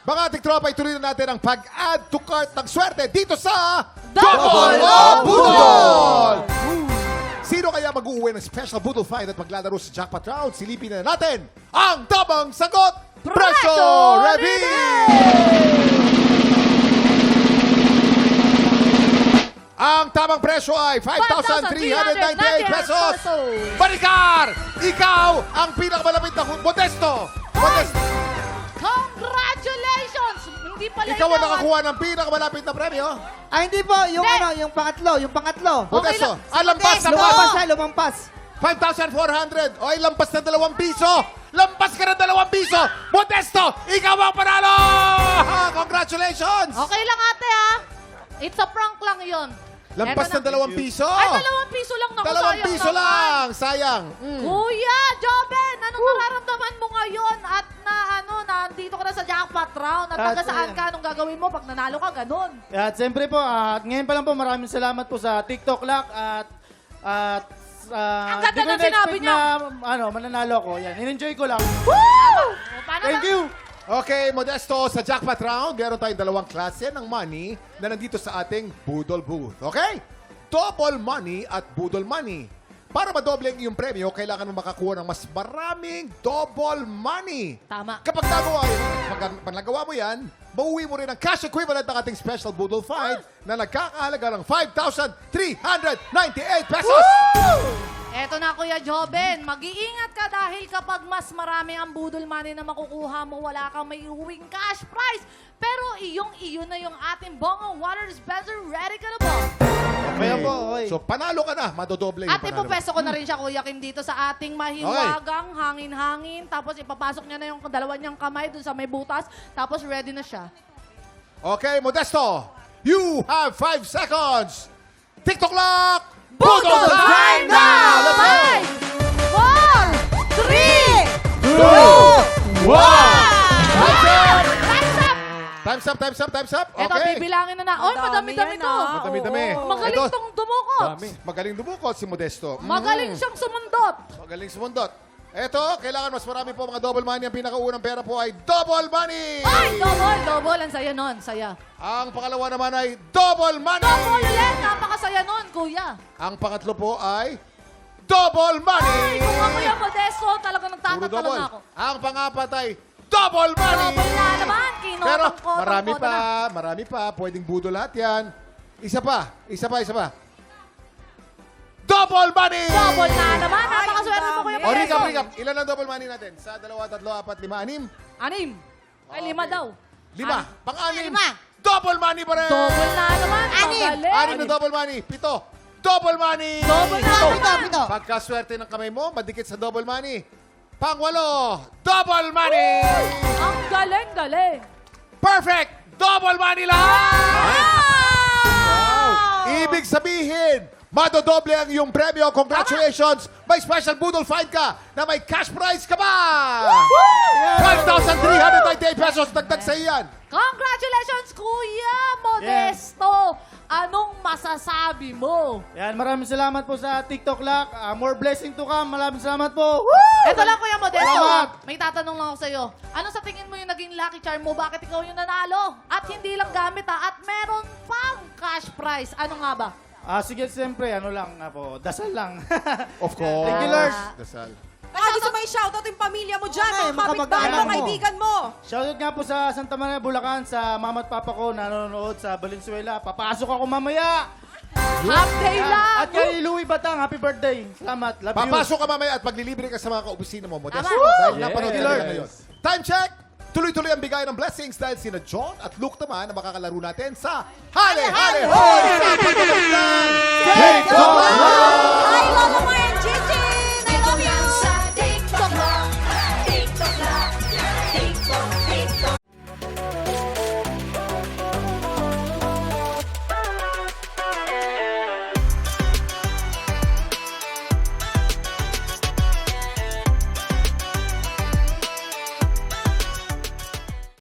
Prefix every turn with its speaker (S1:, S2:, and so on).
S1: Mga ating tropa, ituloy na natin ang pag-add to cart ng swerte dito sa
S2: Double
S1: o
S2: o
S1: Budol! Sino kaya mag-uwi ng special Budol find at maglalaro sa jackpot round? Silipin na natin ang tamang sagot! Preso Reveal! Ang tamang presyo ay 5,398 pesos! Baricar! Ikaw ang pinakamalapit na Modesto! Modesto!
S2: Congratulations! Hindi pala
S1: Ikaw ang nakakuha ng pinakamalapit na premyo.
S3: Ah, hindi po. Yung
S2: Hindi.
S3: ano, yung pangatlo. Yung pangatlo.
S1: Modesto,
S2: lang.
S1: lampas na
S3: Lumampas siya, lumampas.
S1: 5,400. O, lampas na 2 piso. Lampas ka ng 2 piso. Modesto, ikaw ang panalo! Congratulations!
S2: Okay lang ate ha. It's a prank lang yun.
S1: Lampas
S2: Eto
S1: ng 2 piso.
S2: Ay, 2 piso lang. Naku,
S1: 2
S2: sayang
S1: piso
S2: naman.
S1: lang. Sayang.
S2: Kuya, Joben, anong nararamdaman mo ngayon at nandito ka na sa jackpot round at taga saan ka? Anong gagawin mo pag nanalo ka? Ganun.
S4: At siyempre po, ngayon pa lang po, maraming salamat po sa TikTok Lock at
S2: Ang ganda
S4: di ko
S2: ng sinabi
S4: na-expect
S2: niya.
S4: na mananalo ko. Yan, in-enjoy ko lang.
S2: Woo! O, paano
S4: Thank
S2: na?
S4: you!
S1: Okay, Modesto, sa jackpot round, meron tayong 2 klase ng money na nandito sa ating Budol booth. Okay? Double money at Budol money. Para madoble ang iyong premyo, kailangan mo makakuha ng mas maraming double money.
S2: Tama.
S1: Kapag nagawa mo yan, mauwi mo rin ang cash equivalent ng ating special Budol find na nagkakahalaga ng 5,398 pesos.
S2: Eto na Kuya Joben, mag-iingat ka dahil kapag mas marami ang budol money na makukuha mo, wala kang may uwing cash prize. Pero iyo na yung ating Bongo Water Dispenser. Ready ka na ba?
S4: Kaya po, okay.
S1: So, panalo ka na. Madodoble yung
S2: At
S1: panalo.
S2: ipupesto ko na rin siya, Kuya Kim, dito sa ating mahiwagang hangin-hangin. Tapos ipapasok niya na yung dalawa niyang kamay dun sa may butas. Tapos ready na siya.
S1: Okay, Modesto, you have 5 seconds. TikTok lock! Budol time now! Let's go!
S2: 5, 4, 3, 2, 1! Time's up!
S1: Time's up.
S2: Eto,
S1: Okay.
S2: bibilangin na. Oy, madami-dami to.
S1: Madami-dami.
S2: Magaling
S1: Ito,
S2: tong dumukot.
S1: Magaling dumukot si Modesto.
S2: Magaling siyang sumundot.
S1: Magaling sumundot. Eto, kailangan mas marami po mga double money. Ang pinakaunang pera po ay double money.
S2: Ay, double. Ang saya nun, saya.
S1: Ang pangalawa naman ay double money.
S2: Double ulit, napakasaya nun, kuya.
S1: Ang pangatlo po ay double money.
S2: Ay, kung ako yung Modesto, talagang
S1: Puro
S2: nagtatatalo
S1: double.
S2: na ako.
S1: Ang pangapat ay double money.
S2: Double na naman,
S1: Pero
S2: kinotong-kotong
S1: marami pa. Pwedeng budol lahat yan. Isa pa. Double money!
S2: Double na naman, napakaswerte mo, kuya
S1: O,
S2: Modesto.
S1: recap. Ilan ang double money natin? Sa 2, 3, 4, 5, 6.
S2: 6. Ay, 5 daw.
S1: 5. Pang-anim.
S2: Lima.
S1: Double money pa rin!
S2: Double na naman, magaling.
S1: 6 na double money. 7. Double money!
S2: Double na naman.
S3: Pito.
S1: Pagkaswerte ng kamay mo, madikit sa double money. Pang-8. Double money!
S2: Ang galing.
S1: Perfect! Double money lang! Ibig sabihin, madodoble ang iyong premyo. Congratulations! May special Budol find ka na may cash prize ka ba? 5,398 pesos dagdag sa iyan.
S2: Congratulations, Kuya Modesto. Anong masasabi mo?
S4: Yan, maraming salamat po sa TikTok Lock. More blessing to come. Maraming salamat po.
S2: Eto lang, Kuya Modesto.
S4: Salamat.
S2: May tatanong lang ako sa'yo. Ano sa tingin mo yung naging lucky charm mo? Bakit ikaw yung nanalo? At hindi lang gamit at meron pang cash prize. Ano nga ba?
S4: Sige, siyempre, dasal lang.
S1: Of course.
S4: Thank you, Lord.
S1: Dasal.
S5: Baka gusto mo i-shoutout yung pamilya mo dyan,
S3: Okay,
S5: mga kapitbahay mo,
S3: makapag-anak mo.
S5: kaibigan mo.
S4: Shoutout nga po sa Santa Maria, Bulacan, sa mama at papa ko na nanonood sa Valenzuela. Papasok ako mamaya.
S2: Half day lang.
S4: At kay Louie Batang, happy birthday. Salamat. Love you.
S1: Papasok ka mamaya at maglilibre ka sa mga kaopisina mo, Modesto.
S2: Tama.
S1: Dahil
S4: Yes.
S1: napanood ka
S4: Lord.
S1: nila ngayon. Time check! Tuloy-tuloy ang bigay ng blessings dahil sina John at Luke naman na makakalaro natin sa Hale Hale Hoy! Sa pagkakastan! Take